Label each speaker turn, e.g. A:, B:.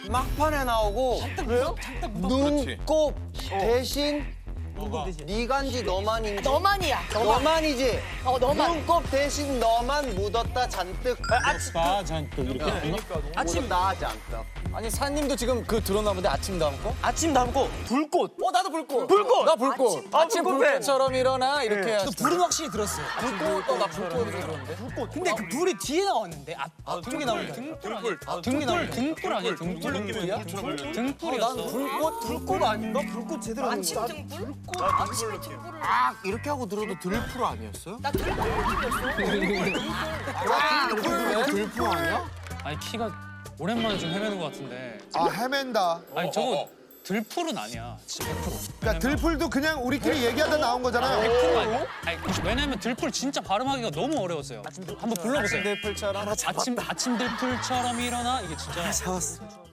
A: 막판에 나오고 눈곱 대신 니간지 너만인지
B: 너만이야.
A: 너만이지.
B: 너만.
A: 눈곱 대신 너만 묻었다 잔뜩.
C: 묻었다 잔뜩 이렇게.
A: 아침 나 잔뜩.
D: 아니 사님도 지금 그 들었나 본데 아침 다음 거?
E: 아침 남고 불꽃.
D: 나도 불꽃.
E: 불꽃.
D: 나 불꽃. 아침
E: 불꽃
D: 불꽃처럼 일어나 이렇게 해야지.
E: 불은 확실히 들었어요.
D: 불꽃. 나 불꽃 들었는데.
E: 근데 그 불이 뒤에 나왔는데 등에 나온 게
C: 등불
E: 등불 아니야? 등불 느낌이야? 등불이었어.
D: 난
E: 불꽃 아닌가? 불꽃 제대로 안
B: 아침 등불? 아침에 등불을.
A: 이렇게 하고 들어도 들풀 아니었어요?
B: 나 등불 느낌이었어.
A: 들풀 아니야?
F: 아니 키가 오랜만에 좀 헤매는 것 같은데.
G: 아 헤맨다.
F: 아니 저거 들풀은 아니야. 진짜 100%.
G: 그러니까 들풀도 그냥 우리끼리 얘기하다 나온 거잖아요.
F: 100% 아니야. 아니, 왜냐면 들풀 진짜 발음하기가 너무 어려웠어요. 한번 불러보세요.
D: 들풀처럼
F: 아침 들풀처럼 일어나 이게 진짜.
E: 잡았어.